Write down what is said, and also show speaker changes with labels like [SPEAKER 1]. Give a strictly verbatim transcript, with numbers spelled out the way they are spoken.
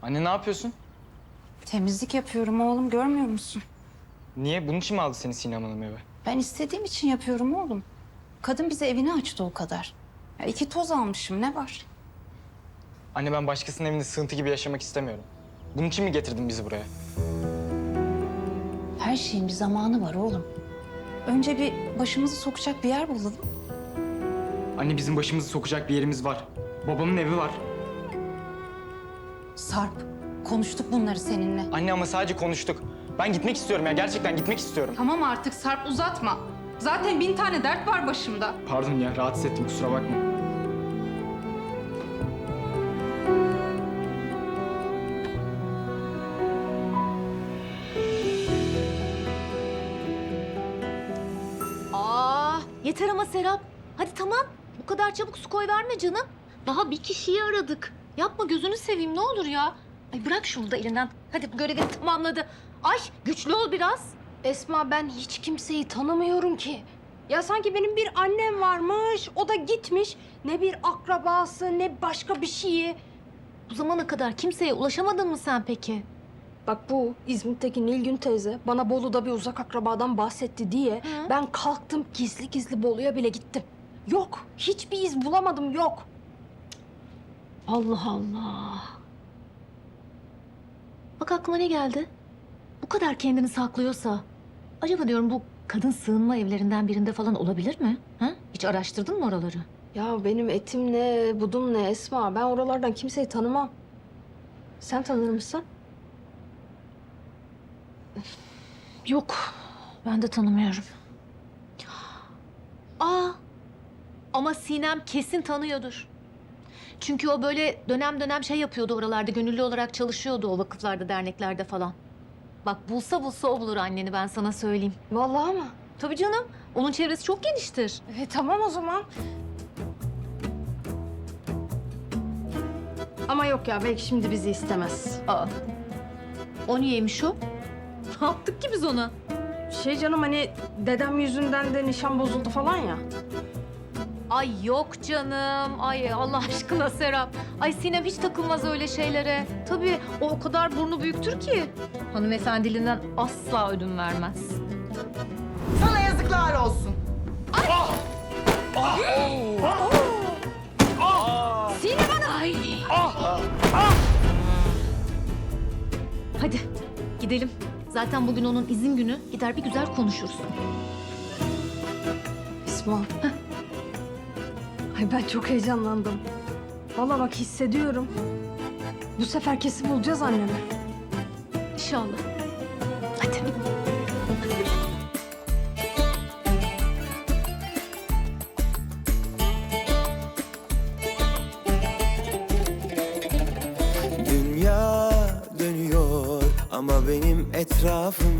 [SPEAKER 1] Anne ne yapıyorsun?
[SPEAKER 2] Temizlik yapıyorum oğlum, görmüyor musun?
[SPEAKER 1] Niye? Bunun için mi aldı seni Sinem Hanım eve?
[SPEAKER 2] Ben istediğim için yapıyorum oğlum. Kadın bize evini açtı o kadar. Ya iki toz almışım, ne var?
[SPEAKER 1] Anne ben başkasının evinde sığıntı gibi yaşamak istemiyorum. Bunun için mi getirdin bizi buraya?
[SPEAKER 2] Her şeyin bir zamanı var oğlum. Önce bir başımızı sokacak bir yer bulalım.
[SPEAKER 1] Anne bizim başımızı sokacak bir yerimiz var. Babamın evi var.
[SPEAKER 2] Sarp, konuştuk bunları seninle.
[SPEAKER 1] Anne ama sadece konuştuk. Ben gitmek istiyorum ya. Gerçekten gitmek istiyorum.
[SPEAKER 3] Tamam artık Sarp, uzatma. Zaten bin tane dert var başımda.
[SPEAKER 1] Pardon ya rahatsız ettim kusura bakma.
[SPEAKER 4] Aa, yeter ama Serap. Hadi tamam. Bu kadar çabuk su koy verme canım. Daha bir kişiyi aradık. Yapma gözünü seveyim ne olur ya. Ay bırak şunu da elinden. Hadi bu görevini tamamladı. Ay güçlü ol biraz.
[SPEAKER 3] Esma, ben hiç kimseyi tanımıyorum ki. Ya sanki benim bir annem varmış, o da gitmiş. Ne bir akrabası, ne başka bir şeyi.
[SPEAKER 4] Bu zamana kadar kimseye ulaşamadın mı sen peki?
[SPEAKER 3] Bak bu İzmit'teki Nilgün teyze bana Bolu'da bir uzak akrabadan bahsetti diye...
[SPEAKER 4] Hı?
[SPEAKER 3] ...ben kalktım gizli gizli Bolu'ya bile gittim. Yok, hiçbir iz bulamadım, yok.
[SPEAKER 4] Allah Allah. Bak aklıma ne geldi? Bu kadar kendini saklıyorsa... Acaba diyorum bu kadın sığınma evlerinden birinde falan olabilir mi? Ha? Hiç araştırdın mı oraları?
[SPEAKER 3] Ya benim etim ne, budum ne Esma. Ben oralardan kimseyi tanımam. Sen tanır mısın?
[SPEAKER 4] Yok. Ben de tanımıyorum. Aa. Ama Sinem kesin tanıyordur. Çünkü o böyle dönem dönem şey yapıyordu oralarda. Gönüllü olarak çalışıyordu o vakıflarda, derneklerde falan. Bak bulsa bulsa o bulur anneni ben sana söyleyeyim.
[SPEAKER 3] Vallahi mı?
[SPEAKER 4] Tabii canım. Onun çevresi çok geniştir.
[SPEAKER 3] E, tamam o zaman. Ama yok ya, belki şimdi bizi istemez.
[SPEAKER 4] Aa. O niyeymiş o? Ne yaptık ki biz ona?
[SPEAKER 3] Şey canım, hani dedem yüzünden de nişan bozuldu falan ya.
[SPEAKER 4] Ay yok canım. Ay Allah aşkına Serap. Ay Sinem hiç takılmaz öyle şeylere. Tabii o o kadar burnu büyüktür ki. Hanımefendiliğinden asla ödün vermez.
[SPEAKER 5] Sana yazıklar olsun.
[SPEAKER 4] Sinem Hanım. Ay. Hadi gidelim. Zaten bugün onun izin günü. Gider bir güzel konuşuruz.
[SPEAKER 3] Esma. Ay ben çok heyecanlandım. Vallahi bak hissediyorum. Bu sefer kesin bulacağız annemi.
[SPEAKER 4] İnşallah. Hadi.
[SPEAKER 6] Dünya dönüyor ama benim etrafım